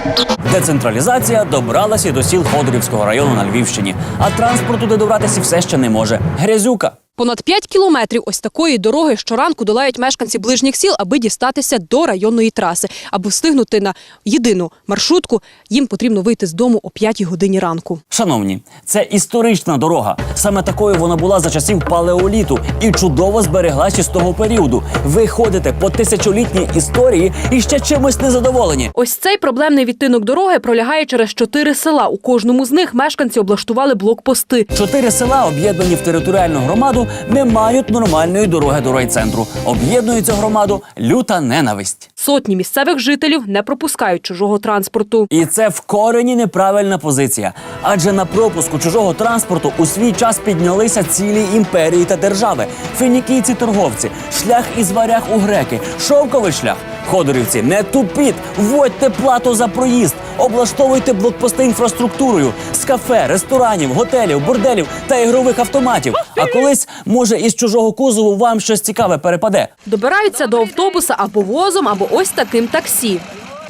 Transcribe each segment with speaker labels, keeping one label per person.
Speaker 1: Децентралізація добралася до сіл Ходорівського району на Львівщині, а транспорт туди добратися все ще не може. Грязюка.
Speaker 2: Понад 5 кілометрів ось такої дороги щоранку долають мешканці ближніх сіл, аби дістатися до районної траси. Аби встигнути на єдину маршрутку, їм потрібно вийти з дому о 5 годині ранку.
Speaker 1: Шановні, це історична дорога. Саме такою вона була за часів палеоліту і чудово збереглася з того періоду. Ви ходите по тисячолітній історії і ще чимось незадоволені.
Speaker 2: Ось цей проблемний відтинок дороги пролягає через 4 села. У кожному з них мешканці облаштували блокпости.
Speaker 1: 4 села, об'єднані в територіальну громаду, не мають нормальної дороги до райцентру. Об'єднує цю громаду люта ненависть.
Speaker 2: Сотні місцевих жителів не пропускають чужого транспорту.
Speaker 1: І це в корені неправильна позиція. Адже на пропуску чужого транспорту у свій час піднялися цілі імперії та держави. Фінікійці-торговці, шлях із варяг у греки, шовковий шлях. Ходорівці, не тупіть, вводьте плату за проїзд, облаштовуйте блокпости інфраструктурою з кафе, ресторанів, готелів, борделів та ігрових автоматів. А колись, може, із чужого кузову вам щось цікаве перепаде.
Speaker 2: Добираються до автобуса або возом, або ось таким таксі.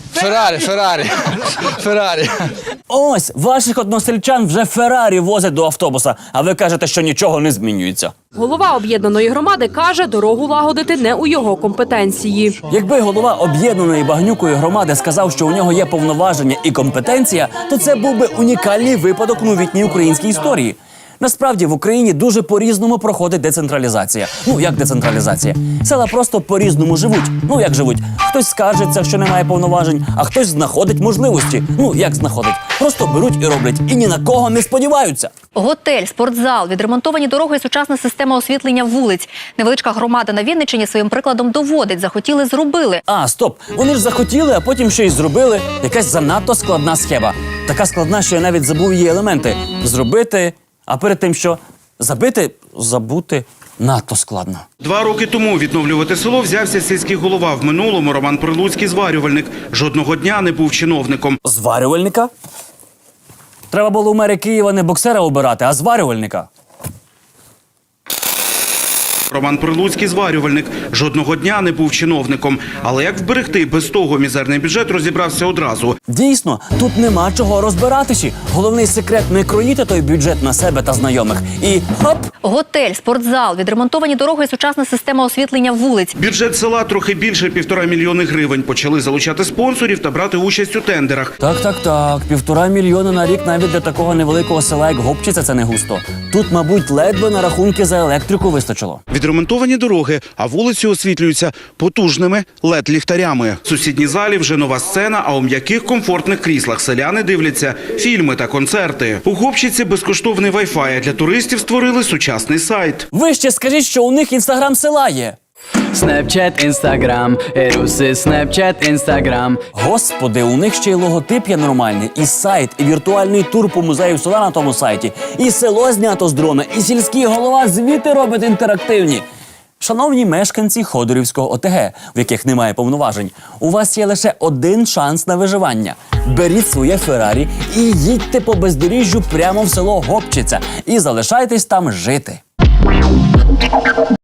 Speaker 3: Феррарі.
Speaker 1: Ось, ваших односельчан вже Феррарі возять до автобуса, а ви кажете, що нічого не змінюється.
Speaker 2: Голова об'єднаної громади каже, дорогу лагодити не у його компетенції.
Speaker 1: Якби голова об'єднаної багнюкої громади сказав, що у нього є повноваження і компетенція, то це був би унікальний випадок у новітній українській історії. Насправді в Україні дуже по-різному проходить децентралізація. Ну, як децентралізація? Села просто по-різному живуть. Ну, як живуть? Хтось скаржиться, що немає повноважень, а хтось знаходить можливості. Ну, як знаходить? Просто беруть і роблять. І ні на кого не сподіваються.
Speaker 4: Готель, спортзал, відремонтовані дороги і сучасна система освітлення вулиць. Невеличка громада на Вінниччині своїм прикладом доводить. Захотіли – зробили.
Speaker 1: А, стоп. Вони ж захотіли, а потім ще й зробили. Якась занадто складна схема. Така складна, що я навіть забув її елементи. Зробити... А перед тим, що забути надто складно.
Speaker 5: 2 роки тому відновлювати село взявся сільський голова. В минулому Роман Прилуцький – зварювальник. Жодного дня не був чиновником.
Speaker 1: Зварювальника? Треба було у мери Києва не боксера обирати, а зварювальника.
Speaker 5: Роман Прилуцький – зварювальник. Жодного дня не був чиновником. Але як вберегти без того мізерний бюджет, розібрався одразу.
Speaker 1: Дійсно, тут нема чого розбиратися. Головний секрет – не кроїти той бюджет на себе та знайомих. І хоп!
Speaker 4: Готель, спортзал, відремонтовані дороги і сучасна система освітлення вулиць.
Speaker 5: Бюджет села трохи більше 1,5 мільйони гривень. Почали залучати спонсорів та брати участь у тендерах.
Speaker 1: Так. 1,5 мільйона на рік навіть для такого невеликого села, як Гопчиця, це не густо. Тут, мабуть, ледве на рахунки за електрику вистачило.
Speaker 5: Відремонтовані дороги, а вулиці освітлюються потужними LED-ліхтарями. В сусідній залі вже нова сцена, а у м'яких комфортних кріслах селяни дивляться фільми та концерти. У Гопчиці безкоштовний Wi-Fi, а для туристів створили сучасний сайт.
Speaker 1: Ви ще скажіть, що у них інстаграм села є.
Speaker 6: Снепчат, інстаграм, еруси, снепчат, інстаграм.
Speaker 1: Господи, у них ще й логотип є нормальний, і сайт, і віртуальний тур по музею села на тому сайті, і село знято з дрона, і сільський голова звіти робить інтерактивні. Шановні мешканці Ходорівського ОТГ, в яких немає повноважень, у вас є лише один шанс на виживання. Беріть своє Феррарі і їдьте по бездоріжжю прямо в село Гопчиця і залишайтесь там жити.